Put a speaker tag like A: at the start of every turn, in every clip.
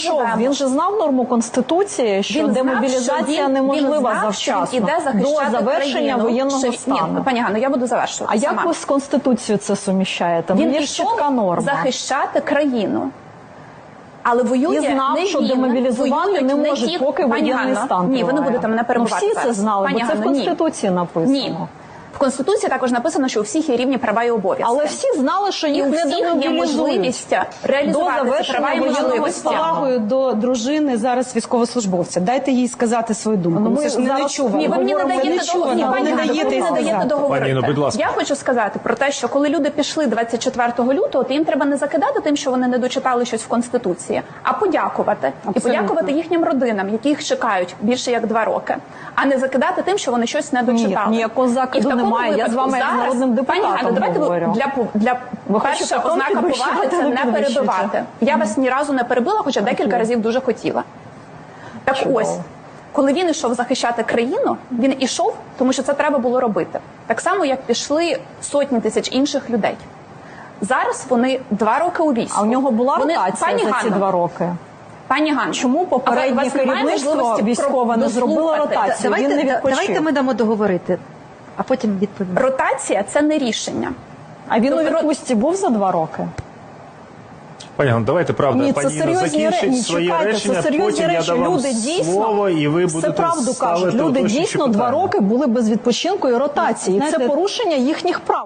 A: Що, він же знав норму Конституції, що демобілізація неможлива завчасно, до завершення воєнного стану.
B: Ні, пані Ганно, я буду завершувати.
A: А як ви з Конституцією це суміщаєте?
B: Він
A: є ж чітка норма.
B: захищати країну. Але воює
A: і знав,
B: не
A: що
B: він,
A: демобілізувати не можуть, поки воєнний стан триває.
B: Ні, ви не будете мене перебувати.
A: Всі це знали, бо це в Конституції написано.
B: Ні. В Конституції також написано, що у всіх є рівні права і обов'язки.
A: Але всі знали, що їх не демобілізують.
B: Є можливість реалізувати ці права і можливості.
C: З повагою до дружини зараз військовослужбовця. Дайте їй сказати свою думку.
A: Ми ж
C: не чули.
B: Ні, ви мені не даєте договорити. Я хочу сказати про те, що коли люди пішли 24 лютого, то їм треба не закидати тим, що вони не дочитали щось в Конституції, а подякувати. І подякувати їхнім родинам, які їх чекають більше як 2 роки. А не закидати тим, що вони щось не дочитали.
A: Ні, ніякого закиду немає. Я з вами як народним депутатом говорю.
B: Для перша ознака поваги – це не перебивати. Я вас ні разу не перебила, хоча декілька разів дуже хотіла. Так ось, коли він йшов захищати країну, він ішов, тому що це треба було робити. Так само, як пішли сотні тисяч інших людей. Зараз вони 2 роки у війську.
A: А в нього була ротація за ці 2 роки?
B: Пані Ганно,
A: чому попереднє керівництво військове не зробило ротацію?
C: Давайте ми дамо договорити, а потім відповімо.
B: Ротація – це не рішення.
A: А він у відпустці був за 2 роки?
D: Пані Ганно, давайте, правда,
A: Ні,
D: пані Інна закінчить своє речення, потім я дам вам слово, і ви будете
A: правду кажуть. Люди дійсно 2 роки були без відпочинку і ротації. І це порушення їхніх прав.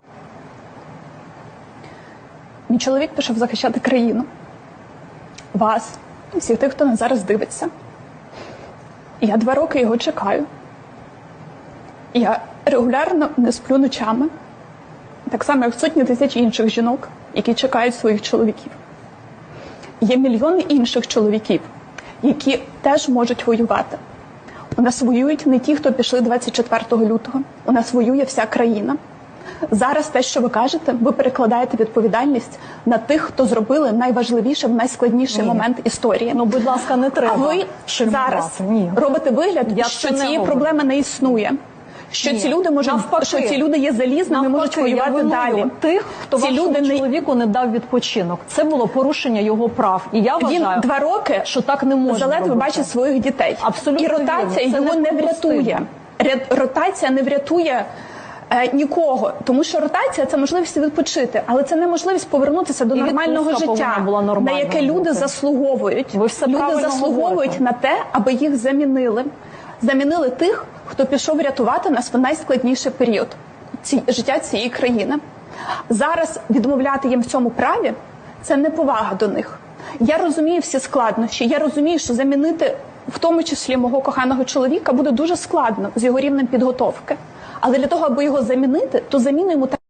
B: Мій чоловік пішов захищати країну. Вас, всіх тих, хто нас зараз дивиться. І я 2 роки його чекаю. Я регулярно не сплю ночами. Так само, як сотні тисяч інших жінок, які чекають своїх чоловіків. Є мільйони інших чоловіків, які теж можуть воювати. У нас воюють не ті, хто пішли 24 лютого. У нас воює вся країна. Зараз те, що ви кажете, ви перекладаєте відповідальність на тих, хто зробили найважливіше в найскладніший момент історії.
A: Ну, будь ласка, не треба.
B: А ви зараз робите вигляд, що цієї проблеми не існує. Що ці люди можуть, що ці люди є залізними, можуть воювати далі.
A: Тих, хто вашому чоловіку не дав відпочинок. Це було порушення його прав. І я вважаю,
B: він 2 роки
A: що так не можна
B: заледве бачить своїх дітей.
A: Абсолютно.
B: І ротація його не врятує. Ротація не врятує нікого, тому що ротація – це можливість відпочити, але це не можливість повернутися до нормального життя, на яке люди заслуговують. Люди заслуговують на те, аби їх замінили. Замінили тих, хто пішов рятувати нас в найскладніший період життя цієї країни. Зараз відмовляти їм в цьому праві – це неповага до них. Я розумію всі складнощі, я розумію, що замінити, в тому числі мого коханого чоловіка, буде дуже складно з його рівнем підготовки. Але для того, аби його замінити, то заміну йому